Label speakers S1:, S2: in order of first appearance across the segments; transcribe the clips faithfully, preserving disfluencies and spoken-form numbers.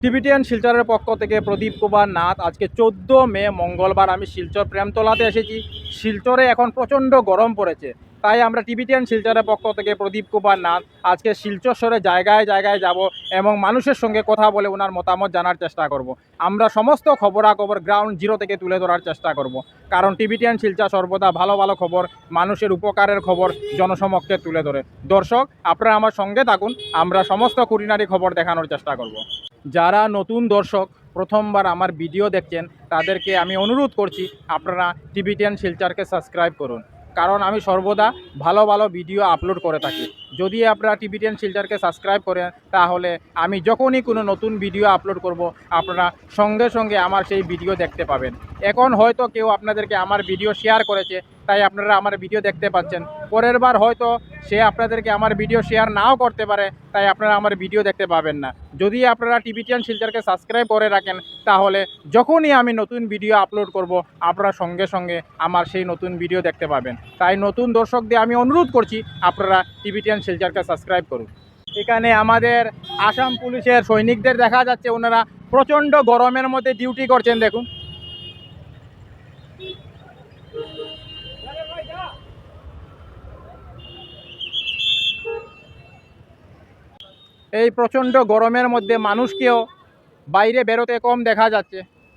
S1: Tibetan শিলচরের পক্ষ থেকে প্রদীপ কুমার নাথ। আজকে চোদ্দ মে মঙ্গলবার আমি শিলচর প্রেমতলাতে এসেছি। শিলচরে এখন প্রচণ্ড গরম পড়েছে, তাই আমরা টিবিটিয়ান শিলচরের পক্ষ থেকে প্রদীপ কুমার নাথ আজকে শিলচর শহরে জায়গায় জায়গায় যাব এবং মানুষের সঙ্গে কথা বলে ওনার মতামত জানার চেষ্টা করব। আমরা সমস্ত খবরাখবর গ্রাউন্ড জিরো থেকে তুলে ধরার চেষ্টা করব, কারণ টিবিটিয়ান শিলচর সর্বদা ভালো ভালো খবর, মানুষের উপকারের খবর জনসমক্ষে তুলে ধরে। দর্শক, আপনারা আমার সঙ্গে থাকুন, আমরা সমস্ত খুঁটিনাটি খবর দেখানোর চেষ্টা করব। যারা নতুন দর্শক প্রথমবার আমার ভিডিও দেখছেন তাদেরকে আমি অনুরোধ করছি আপনারা টিবিটিয়ান শিলচরকে সাবস্ক্রাইব করুন, কারণ আমি সর্বদা ভালো ভালো ভিডিও আপলোড করে থাকি। যদি আপনারা টিবিটিয়ান শিলচরকে সাবস্ক্রাইব করেন তাহলে আমি যখনই কোনো নতুন ভিডিও আপলোড করব আপনারা সঙ্গে সঙ্গে আমার সেই ভিডিও দেখতে পাবেন। এখন হয়তো কেউ আপনাদেরকে আমার ভিডিও শেয়ার করেছে তাই আপনারা আমার ভিডিও দেখতে পাচ্ছেন, পরের বার হয়তো সে আপনাদেরকে আমার ভিডিও শেয়ার নাও করতে পারে, তাই আপনারা আমার ভিডিও দেখতে পাবেন না। যদি আপনারা টিবিটিয়ান শিলচরকে সাবস্ক্রাইব করে রাখেন তাহলে যখনই আমি নতুন ভিডিও আপলোড করব আপনারা সঙ্গে সঙ্গে আমার সেই নতুন ভিডিও দেখতে পাবেন। তাই নতুন দর্শকদের আমি অনুরোধ করছি আপনারা টিবিটিয়ান শিলচরকে সাবস্ক্রাইব করুন। এখানে আমাদের আসাম পুলিশের সৈনিকদের দেখা যাচ্ছে, ওনারা প্রচণ্ড গরমের মধ্যে ডিউটি করছেন। দেখুন, এই প্রচণ্ড গরমের মধ্যে মানুষকেও বাইরে বেরোতে কম দেখা যাচ্ছে,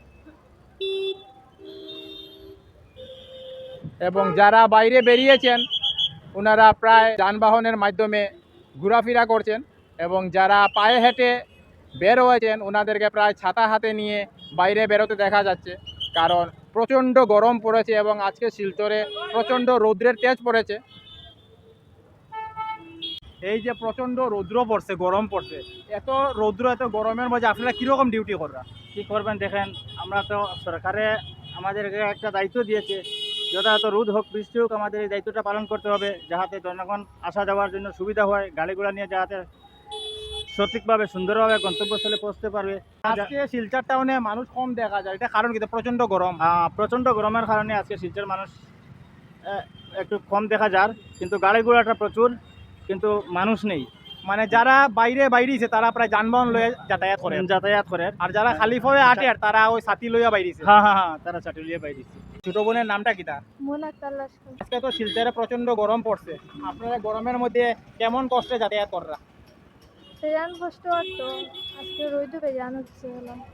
S1: এবং যারা বাইরে বেরিয়েছেন ওনারা প্রায় যানবাহনের মাধ্যমে ঘোরাফেরা করছেন, এবং যারা পায়ে হেঁটে বের হয়েছেন ওনাদেরকে প্রায় ছাতা হাতে নিয়ে বাইরে বেরোতে দেখা যাচ্ছে, কারণ প্রচণ্ড গরম পড়েছে এবং আজকে শিলচরে প্রচণ্ড রৌদ্রের তেজ পড়েছে। এই যে প্রচণ্ড রৌদ্র পড়ছে, গরম পড়ছে, এত রৌদ্র এত গরমের মধ্যে আপনারা কীরকম ডিউটি করা?
S2: কি করবেন দেখেন, আমরা তো সরকারে আমাদেরকে একটা দায়িত্ব দিয়েছে, যথাযথ রোদ হোক বৃষ্টি হোক আমাদের এই দায়িত্বটা পালন করতে হবে, যাতে জনগণ আসা যাওয়ার জন্য সুবিধা হয়, গাড়িগুলো নিয়ে যাতে সঠিকভাবে সুন্দরভাবে গন্তব্যস্থলে পৌঁছতে পারবে।
S1: আজকে শিলচর টাউনে মানুষ কম দেখা যায়, এটা কারণ কিন্তু প্রচণ্ড গরম।
S2: আহ, প্রচণ্ড গরমের কারণে আজকে শিলচর মানুষ আহ, একটু কম দেখা যার, কিন্তু গাড়িগুলোটা প্রচুর, কিন্তু মানুষ নেই।
S1: মানে যারা বাইরে বাইরেছে তারা প্রায় যানবাহন লয়ে যাতায়াত করে
S2: যাতায়াত করে,
S1: আর যারা খালি ফয়ে আটে আর তারা ওই ছাতি লইয়া বাইরেছে।
S2: হ্যাঁ হ্যাঁ হ্যাঁ তারা চাটুলিয়ে বাইরেছে।
S1: ছোট বোনের নামটা কিতা? আজকে তো শিলচরে প্রচন্ড গরম পড়ছে, আপনারা গরমের মধ্যে কেমন কষ্টে যাতায়াত কররা?
S3: বেজান কষ্ট হতো, আজকে রোদে বেজান হচ্ছে।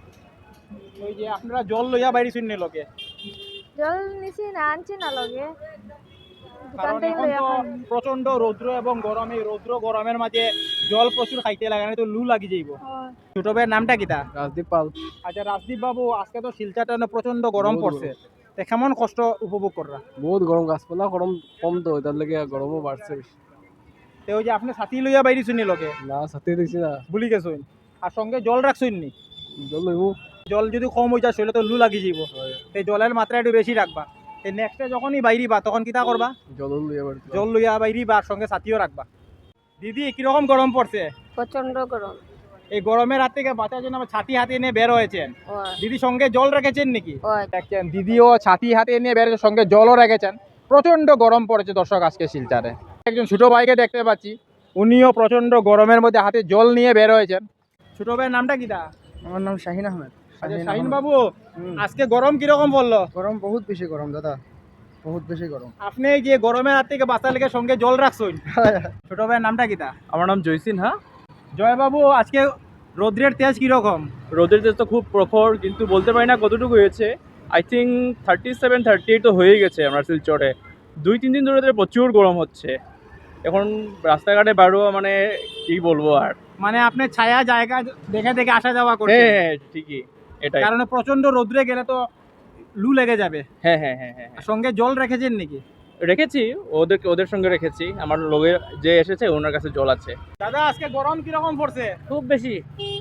S1: ওই যে আপনারা জল লইয়া বাইরেছেন নি লোকে?
S3: জল নিছি না, আনছি না লগে,
S1: কারণ এখন তো প্রচন্ড রৌদ্র এবং গরম, এই রৌদ্র গরমের মাঝে জল প্রচুর খাইতে লাগে, না তো লু লাগি যাইব। ছোট ভাইয়ের নামটা কিতা?
S4: রাজদীপ পাল।
S1: আচ্ছা রাজদীপ বাবু, আজকে তো শিলচর টাউনে প্রচন্ড গরম পড়ছে, তে কেমন কষ্ট উপভোগ কররা?
S4: বহুত গরম, গাছপালা গরম কম তো এটার লেগে গরমও বাড়ছে বেশি।
S1: তো ওই যে আপনি ছাতি লইয়া বাইরেছেন নি লোকে?
S4: না সাথে দেখছি না।
S1: ভুলি গেছেন, আর সঙ্গে জল রাখছেন নি?
S4: জল লইব।
S1: জল যদি কম হয়ে যায় শরীরে তো লু লাগি যাইব, এই জলের মাত্রা একটু বেশি রাখবা। এই নেক্সটে যখনই বাইরিবা তখন কিতা করবা?
S4: জল লইয়া বাড়ি
S1: জল লইয়া বাইরিবা আর সঙ্গে ছাতিও রাখবা। দিদি, কিরকম গরম পড়ছে?
S3: প্রচন্ড গরম।
S1: এই গরমের হাত থেকে বাঁচার জন্য আমার ছাতি হাতে নিয়ে বের হয়েছেন। দিদি সঙ্গে জল রেখেছেন নাকি? দেখছেন, দিদিও ছাতি হাতে নিয়ে বের হয়েছে, সঙ্গে জলও রেখেছেন। প্রচন্ড গরম পড়েছে দর্শক আজকে শিলচরে। একজন ছোট ভাইকে দেখতে পাচ্ছি, উনিও প্রচন্ড গরমের মধ্যে হাতে জল নিয়ে বের হয়েছেন। ছোট ভাইয়ের নামটা কিতা?
S4: আমার নাম শাহিন আহমেদ।
S1: আচ্ছা শাহিন বাবু, আজকে গরম কিরকম পড়লো?
S4: গরম বহুত বেশি গরম দাদা, বহুত বেশি গরম।
S1: আপনি এই যে গরমের হাত থেকে বাঁচার লেগে সঙ্গে জল রাখছেন, ছোট ভাইয়ের নামটা কিতা?
S5: আমার নাম জয়সিন। হ্যাঁ,
S1: জয় বাবু, আজকে রৌদ্রের তেজ কিরকম?
S5: রোদের তেজ তো খুব প্রখর, কিন্তু বলতে পারি না কতটুকু হয়েছে। I think thirty seven thirty eight তো হয়ে গেছে আমরা শিলচরে। দুই তিন দিন ধরে তো প্রচুর গরম হচ্ছে, এখন রাস্তাঘাটে বাড়ো মানে কি বলবো আর।
S1: মানে আপনি ছায়া জায়গা দেখে দেখে আসা যাওয়া
S5: হ্যাঁ
S1: করছেন,
S5: হ্যাঁ ঠিকই, এটাই।
S1: কারণ প্রচন্ড রৌদ্রে গেলে তো লু লেগে যাবে।
S5: হ্যাঁ হ্যাঁ হ্যাঁ হ্যাঁ হ্যাঁ।
S1: সঙ্গে জল রেখেছেন নাকি?
S5: রেখেছি, ওদের ওদের সঙ্গে রেখেছি। আমার লোকে যে এসেছে ওনার কাছে জল আছে।
S1: দাদা, আজকে গরম কিরকম পড়ছে?
S2: খুব বেশি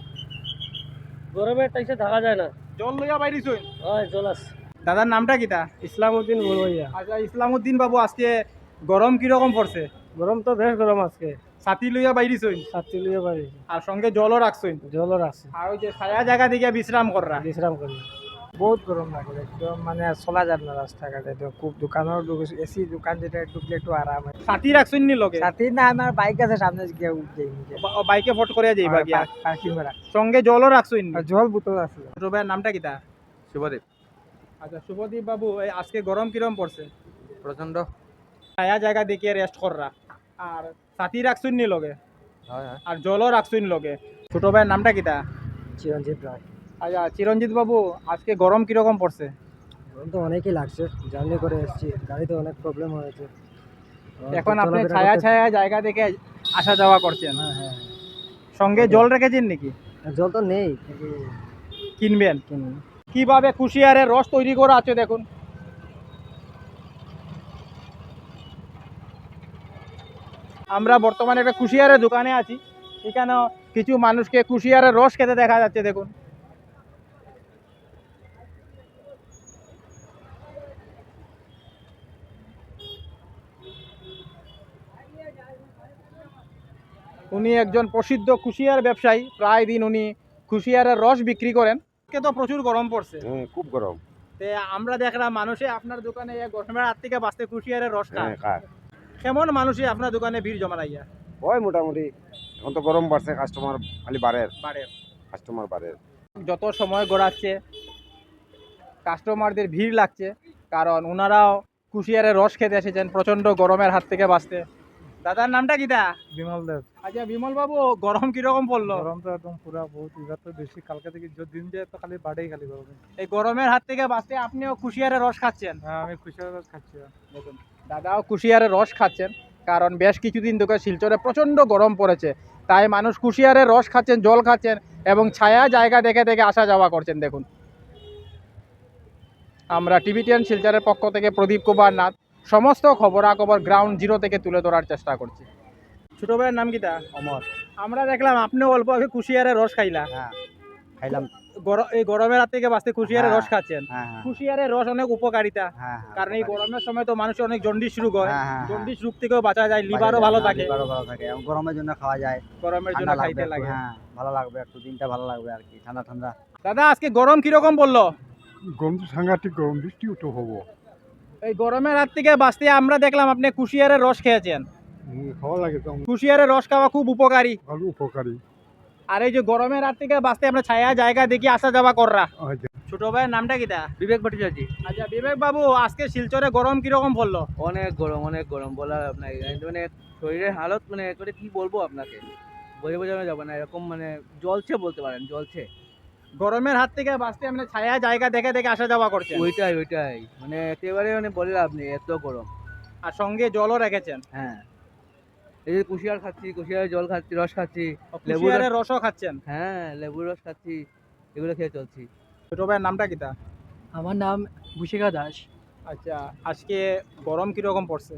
S2: গরমের টাইসে থাকা যায় না।
S1: জল লইয়া বাইরিছুন?
S2: হয় জল আছে।
S1: দাদার নামটা কিতা?
S2: ইসলামউদ্দিন বড়ুয়া।
S1: আচ্ছা ইসলামউদ্দিন বাবু, আজকে গরম কিরকম পড়ছে?
S2: গরম তো বেশ গরম আজকে,
S1: ছাতি লইয়া বাইরিছুন
S2: ছাত্রী লিয়ে বাড়ি,
S1: আর সঙ্গে জলও রাখছুন,
S2: জলর আছে,
S1: আর ওই যে ছায়া জায়গা দিকে বিশ্রাম কররা।
S2: বিশ্রাম করি।
S6: বহুত গরম লাগে একদম, মানে চলা যায় না রাস্তাঘাটে, তো খুব দোকানের এসি দোকান যেটা ঢুকলে একটু আরাম হয়।
S1: সাথী রাখছেন নি লগে?
S6: সাথে না, আমার বাইক আছে সামনে গিয়ে উঠে
S1: বা- বাইকে ফট করে যাইবা গিয়া,
S6: পার্কিং করা,
S1: সঙ্গে জলও রাখছেন নি?
S6: আর জল বোতল আছে।
S1: ছোট ভাইয়ের নামটা কিতা?
S7: শুভদীপ।
S1: আচ্ছা শুভদীপ বাবু, এই আজকে গরম কিরম পড়ছে?
S7: প্রচন্ড।
S1: ছায়া জায়গা দেখিয়ে রেস্ট কররা, আর সাথী রাখছেন নি লগে,
S7: হয় হয়।
S1: আর জলও রাখছেন লগে। ছোট ভাইয়ের নামটা কিতা?
S6: চিরঞ্জিত রায়।
S1: আচ্ছা চিরঞ্জিত বাবু, আজকে গরম কিরকম পড়ছে?
S6: গরম তো অনেকই লাগছে, জার্নি করে এসেছি, গাড়িতে অনেক প্রবলেম হয়েছে।
S1: এখন আপনি ছায়া ছায়া জায়গা দেখে আসা যাওয়া করছেন,
S6: হ্যাঁ হ্যাঁ,
S1: সঙ্গে জল রেখেছেন নাকি?
S6: জল তো নেই,
S1: কিনবেন?
S6: কিনবো।
S1: কিভাবে কুশিয়ারের রস তৈরি করা আছে দেখুন। আমরা বর্তমানে একটা কুশিয়ারের দোকানে আছি, এখানে কিছু মানুষকে কুশিয়ারের রস খেতে দেখা যাচ্ছে দেখুন। উনি একজন প্রসিদ্ধ কুশিয়ার ব্যবসায়ী, প্রায় দিন উনি কুশিয়ারের রস বিক্রি করেন। আজকে তো প্রচুর গরম পড়ছে,
S8: হ্যাঁ খুব গরম।
S1: তে আমরা দেখলাম মানুষে আপনার দোকানে এই গরমের হাত থেকে বাঁচতে কুশিয়ারের রস খায়।
S8: হ্যাঁ খায়।
S1: কেমন মানুষই আপনার দোকানে ভিড় জমা লাইয়া?
S8: হয় মোটামুটি, এখন তো গরম বাড়ছে, কাস্টমার খালি বাড়ে,
S1: বাড়ে।
S8: কাস্টমার বাড়ে।
S1: যত সময় গড়াচ্ছে কাস্টমারদের ভিড় লাগছে, কারণ ওনারাও কুশিয়ারের রস খেতে এসেছেন প্রচণ্ড গরমের হাত থেকে বাঁচতে। দাদার নামটা কিটা?
S6: বিমল দেব।
S1: আচ্ছা বিমল বাবু, গরম কিরকম পড়লো?
S6: গরম তো একদম পুরা বহুত, এবার তো বেশি, কালকে থেকে যে দিন যায় তো খালি বাড়েই খালি গরম।
S1: এই গরমের হাত থেকে বাঁচতে আপনিও কুশিয়ারের রস খাচ্ছেন?
S6: হ্যাঁ আমি খুশি হয়ে খাচ্ছি।
S1: দেখুন দাদাও কুশিয়ারের রস খাচ্ছেন, কারণ বেশ কিছুদিন ধরে শিলচরে প্রচণ্ড গরম পড়েছে, তাই মানুষ কুশিয়ারের রস খাচ্ছেন, জল খাচ্ছেন এবং ছায়া জায়গা দেখে দেখে আসা যাওয়া করছেন। দেখুন আমরা টিভিটিএন শিলচরের পক্ষ থেকে প্রদীপ কুমার নাথ সমস্ত খবরাখবর গ্রাউন্ড জিরো থেকে তুলে ধরার চেষ্টা করছি। ছোট ভাইয়ের নাম কিটা?
S6: অমর।
S1: আমরা দেখলাম আপনিও অল্প আগে কুশিয়ারের রস খাইলা।
S6: হ্যাঁ খাইলাম।
S1: গর- এই গরমের হাত থেকে বাঁচতে কুশিয়ারের রস খাচ্ছেন।
S6: হ্যাঁ হ্যাঁ
S1: কুশিয়ারের রস অনেক উপকারিতা,
S6: হ্যাঁ,
S1: কারণ এই গরমের সময় তো মানুষের অনেক জন্ডিস রোগ হয়,
S6: হ্যাঁ, হ্যাঁ,
S1: জন্ডিস রোগ থেকেও বাঁচা যায়, লিভারও ভালো থাকে,
S6: লিভারও ভালো থাকে, এবং গরমের জন্য খাওয়া যায়,
S1: গরমের জন্য
S6: ঠান্ডা
S1: খাইতে
S6: লাগবে
S1: লাগে।
S6: একটু, হ্যাঁ ভালো লাগবে একটু, দিনটা ভালো লাগবে আর কি, ঠান্ডা ঠান্ডা।
S1: দাদা আজকে গরম কিরকম পড়লো?
S9: গরম তো সাংঘাতিক গরম, বৃষ্টিও তো হবো।
S1: এই গরমের হাত থেকে বাঁচতে আমরা দেখলাম আপনি কুশিয়ারের রস খেয়েছেন।
S9: হুম, ভালো লাগে তো,
S1: কুশিয়ারের রস খাওয়া খুব উপকারী,
S9: ভালো উপকারী।
S1: আর এই যে গরমের হাত থেকে বাঁচতে আমরা ছায়া জায়গা দেখি আসা যাওয়া কররা।
S9: আচ্ছা,
S1: ছোট ভাইয়ের নামটা কিটা?
S4: বিবেক ভট্টাচার্য।
S1: আচ্ছা বিবেক বাবু, আজকে শিলচরে গরম কিরকম পড়লো?
S4: অনেক গরম, অনেক গরম, বলার আপনাকে মানে শরীরের হালত মানে করে কি বলবো আপনাকে, বোঝা বোঝানো যাবে না, এরকম মানে জ্বলছে বলতে পারেন, জ্বলছে।
S1: গরমের হাত থেকে বাঁচতে আমরা ছায়া জায়গা দেখে দেখে আসা যাওয়া করছেন,
S4: ওইটাই ওইটাই মানে একেবারে মানে বলে লাভ নেই, এত গরম।
S1: আর সঙ্গে জলও রেখেছেন।
S4: হ্যাঁ, এই যে কুশিয়ার খাচ্ছি, কুশিয়ারের জল খাচ্ছি, রস খাচ্ছি, লেবুর
S1: কুশিয়ারের রসও খাচ্ছেন।
S4: হ্যাঁ লেবুর রস খাচ্ছি, এগুলো খেয়ে চলছি।
S1: ছোট ভাইয়ের নামটা কিটা?
S6: আমার নাম ভূষিকা দাস।
S1: আচ্ছা আজকে গরম কিরকম পড়ছে?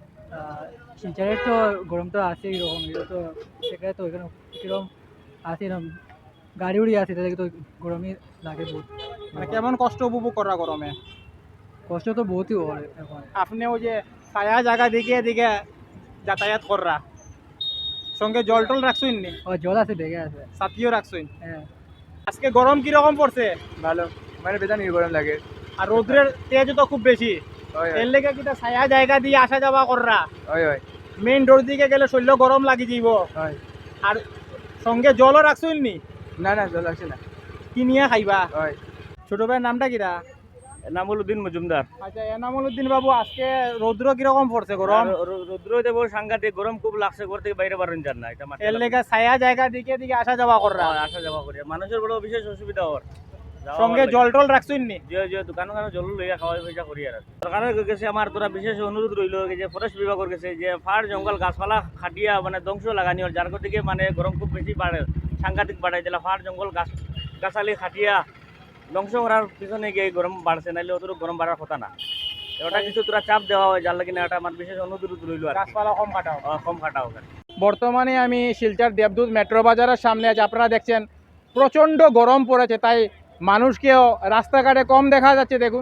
S6: শিলচরের তো গরম তো আছে এরকম, এটা তো সেখানে তো এখানে কিরকম আছে না, গাড়ি উড়ি আছে, তাদেরকে তো গরমই লাগে বহুত,
S1: মানে কেমন কষ্ট উপভোগ করা গরমে?
S6: কষ্ট তো বহুতই হয় এখন।
S1: আপনি ওই যে ছায়া জায়গা দিকে দিকে যাতায়াত কররা, সঙ্গে জল টল রাখছুন নি?
S6: ও জল আছে, বেগে আছে।
S1: সাথীও রাখছুন?
S6: হ্যাঁ
S1: আজকে গরম কিরকম পড়ছে?
S4: ভালো, মানে বেদানি গরম লাগে।
S1: আর রোদ্রের তেজ তো খুব বেশি, এর লেগে কিটা ছায়া জায়গা দিয়ে আসা যাওয়া কররা।
S4: হয় হয়
S1: মেইন রোড দিকে গেলে শরীর গরম লাগি যাইব।
S4: হয়।
S1: আর সঙ্গে জলও রাখছুন নি?
S4: না না জল আসে না।
S1: কি নিয়ে খাইবা?
S4: হয়।
S1: ছোট ভাইয়ের নামটা কিটা?
S2: এনামুলউদ্দিন মজুমদার।
S1: আচ্ছা এনামুল উদ্দিন বাবু, আজকে রৌদ্র কিরকম পড়ছে গরম?
S2: রৌদ্র দেব সাংঘাতিক গরম, খুব লাগছে, ঘর থেকে বাইরে বারণ যান না, এটা মাথায়
S1: এর লেগে ছায়া জায়গা দিকে দিকে আসা যাওয়া কররা,
S2: রাখা। আসা যাওয়া করি, মানুষের বড় বিশেষ অসুবিধা হওয়ার।
S1: সঙ্গে জল টল রাখছুন নি?
S2: যে যে দোকান ওখানে জল লইয়া খাওয়া পয়সা করি আর সরকারের কাছে আমার তোরা বিশেষ অনুরোধ রইল যে ফরেস্ট বিভাগের কাছে যে ফার জঙ্গল গাছপালা খাটিয়া মানে ধ্বংস লাগানিওর, যার দিকে মানে গরম খুব বেশি বাড়ে, সাংঘাতিক বাড়াই দিলা, ফার জঙ্গল গাছ গাছালি খাটিয়া ধ্বংস করার পিছনে গিয়ে গরম বাড়ছে, নাইলে অত গরম বাড়ার কথা না। ওটা কিছু তোরা চাপ দেওয়া হয়, যার লাগে না এটা আমার বিশেষ অনুরোধ রইল আর কি।
S1: গাছপালা কম কাটাও।
S2: আহ, কম খাটাও আর কি।
S1: বর্তমানে আমি শিলচর দেবদূত মেট্রো বাজারের সামনে আছি। আপনারা দেখছেন প্রচণ্ড গরম পড়েছে, তাই মানুষকেও রাস্তাঘাটে কম দেখা যাচ্ছে। দেখুন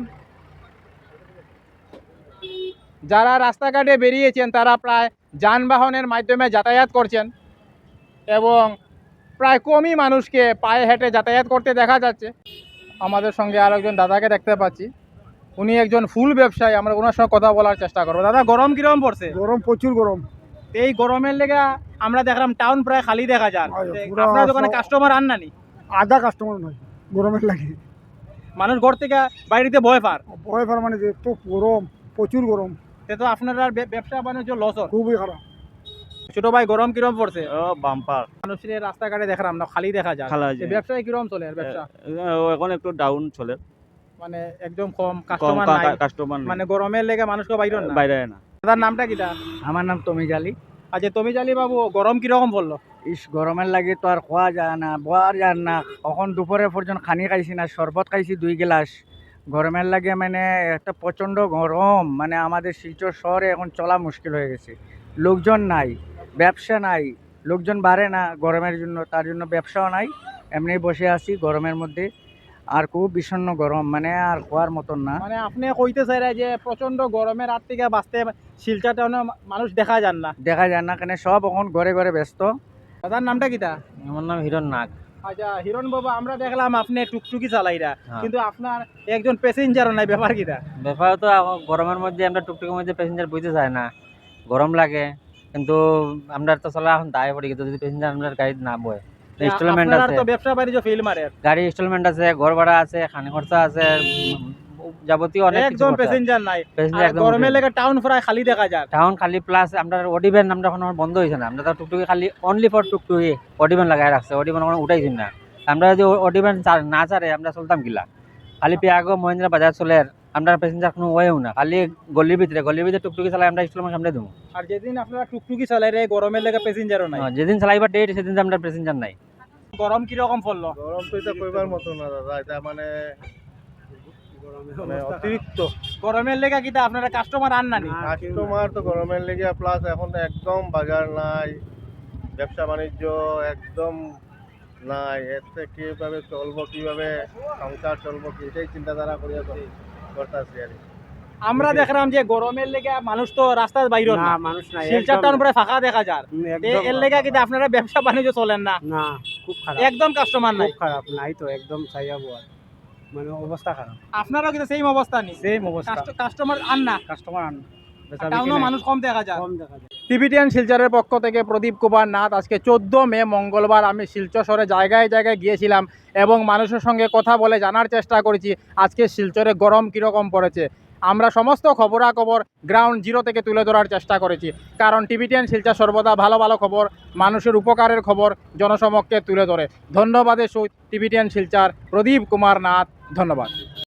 S1: যারা রাস্তাঘাটে বেরিয়েছেন তারা প্রায় যানবাহনের মাধ্যমে যাতায়াত করছেন এবং প্রায় কমই মানুষকে পায়ে হেঁটে যাতায়াত করতে দেখা যাচ্ছে। আমাদের সঙ্গে আর একজন দাদাকে দেখতে পাচ্ছি, উনি একজন ফুল ব্যবসায়ী, আমরা ওনার সঙ্গে কথা বলার চেষ্টা করবো। দাদা, গরম কিরকম পড়ছে?
S9: গরম প্রচুর গরম।
S1: এই গরমের লেগে আমরা দেখলাম টাউন প্রায় খালি দেখা যায়,
S9: হয়,
S1: তে
S9: পুরা
S1: আপনার দোকানে
S9: সব-
S1: কাস্টমার আন নানি?
S9: আধা কাস্টমার নয় গরমের লাগে।
S1: মানুষ ঘর থেকে বাইরেতে ভয় পার,
S9: ভয় পার মানে যে তো গরম, প্রচুর গরম,
S1: তে তো আপনার আর বে- ব্যবসা বাণিজ্য লস হয়।
S9: খুবই খারাপ।
S1: ছোট ভাই, গরম কিরম পড়ছে?
S2: ও বাম্পার
S1: মানুষের রাস্তাঘাটে দেখলাম না খালি দেখা যায়,
S2: খালা
S1: এই ব্যবসায় কিরম চলে আর ব্যবসা?
S2: এখন একটু ডাউন চলে,
S1: মানে একদম কম কাস্টমার নাই,
S2: কাস্টমার
S1: মানে গরমের লেগে মানুষকে বাইরে না।
S2: বাইরে না।
S1: দাদার নামটা কিটা?
S6: আমার নাম তমিজ আলী।
S1: আচ্ছা, তুমি জালি বাবু, গরম কিরকম পড়লো?
S6: ইস গরমের লাগে তো আর খোয়া যায় না, বোয়ার যায় না। এখন দুপুরে পর্যন্ত খানি খাইছি না, শরবত খাইছি দুই গ্লাস। গরমের লাগে মানে একটা প্রচণ্ড গরম, মানে আমাদের শিলচর শহরে এখন চলা মুশকিল হয়ে গেছে। লোকজন নাই, ব্যবসা নাই, লোকজন বাড়ে না গরমের জন্য, তার জন্য ব্যবসাও নাই। এমনি বসে আছি গরমের মধ্যে, আর খুব বিষণ্ণ গরম, মানে আর খোয়ার মতন না।
S1: মানে আপনি কইতে চাইরা যে প্রচন্ড গরমের রাত থেকে বাঁচতে শিলচর টাউনে মানুষ দেখা যান না।
S6: দেখা যায় না, কেন সব এখন ঘরে ঘরে ব্যস্ত।
S1: দাদার নামটা কিটা?
S4: আমার নাম হিরণ নাগ।
S1: আচ্ছা হিরণ বাবা, আমরা দেখলাম আপনি টুকটুকি চালাইরা,
S4: হ্যাঁ।
S1: কিন্তু আপনার একজন প্যাসেঞ্জারও নাই, ব্যাপার কিটা?
S4: ব্যাপার তো এখন গরমের মধ্যে আমরা টুকটুকের মধ্যে প্যাসেঞ্জার বুঝতে চাই না, গরম লাগে, কিন্তু আমরা তো চলা এখন দায় পড়ি কিন্তু যদি প্যাসেঞ্জার আমরা গাড়ি না বয়, ইনস্টলমেন্ট
S1: আপনার
S4: আছে,
S1: তো ব্যবসা বাণিজ্য ফেল মারে,
S4: গাড়ি ইনস্টলমেন্ট আছে, ঘর ভাড়া আছে, খানি খরচা আছে, উম, যাবতীয় অনেক কিছু
S1: একদম
S4: খরচা।
S1: প্যাসেঞ্জার নাই।
S4: Passenger
S1: আর
S4: একদম
S1: গরমের
S4: উঠে।
S1: লেগে টাউন প্রায় খালি দেখা যায়।
S4: টাউন খালি প্লাস আমরা অডিভেন আমরা এখন বন্ধ হয়েছে না, আমরা তো টুকটুকি খালি অনলি ফর টুকটুকি অডিভেন লাগাই রাখছে, অডিভেন কোনো উঠাইছি না। আমরা যদি অডিভেন না ছাড়ে আমরা চলতাম কিলা, খালি পেয়াগো মহিন্দ্রা বাজার চলে, আমরা প্যাসেঞ্জার কোনো ওয়েও না, খালি গলির ভিতরে গলির ভিতরে টুকটুকি চালাই আমরা ইনস্টলমেন্ট সামনে দেবো।
S1: আর যেদিন আপনারা টুকটুকি চালাই রে, গরমের লেগে প্যাসেঞ্জারও নাই।
S4: যেদিন চালাইবার ডেট সেদিন তো আমরা প্যাসেঞ্জার নাই।
S1: গরম কিরকম পড়লো?
S2: গরম তো এটা কইবার মতো না দাদা, এটা মানে মানে অতিরিক্ত
S1: গরমের লেগে কিটা আপনারা কাস্টমার আন নানি?
S2: কাস্টমার তো গরমের লেগে, প্লাস এখন একদম বাজার নাই, ব্যবসা বাণিজ্য একদম নাই, এতে কিভাবে চলবো, কিভাবে সংসার চলবো, এটাই চিন্তাধারা করিয়া করতেছি আর কি।
S1: আমরা দেখলাম যে গরমের লেগে মানুষ তো রাস্তায় বাইরে না,
S6: মানুষ নাই,
S1: শিলচর টাউন প্রায় ফাঁকা দেখা যায়, তে এর লেগে কিন্তু আপনারা ব্যবসা বাণিজ্য চলেন না,
S6: না, খুব খারাপ,
S1: একদম কাস্টমার নাই।
S6: খারাপ নাই তো, একদম চাইয়া বোয়ার, মানে অবস্থা খারাপ,
S1: আপনারও কিন্তু সেম অবস্থা নেই,
S6: সেম অবস্থা,
S1: কাস্টমার আন না,
S6: কাস্টমার আন,
S1: টাউনও মানুষ কম দেখা যায়।
S6: কম দেখা যায়।
S1: টিভিটিয়ান শিলচরের পক্ষ থেকে প্রদীপ কুমার নাথ। আজকে চোদ্দ মে মঙ্গলবার আমি শিলচর শহরে জায়গায় জায়গায় গিয়েছিলাম এবং মানুষের সঙ্গে কথা বলে জানার চেষ্টা করেছি আজকে শিলচরে গরম কীরকম পড়েছে। আমরা সমস্ত খবরাখবর গ্রাউন্ড জিরো থেকে তুলে ধরার চেষ্টা করেছি, কারণ টিভিটিয়ান শিলচর সর্বদা ভালো ভালো খবর, মানুষের উপকারের খবর জনসমক্ষে তুলে ধরে। ধন্যবাদের সহিত টিভিটিয়ান শিলচর প্রদীপ কুমার নাথ, ধন্যবাদ।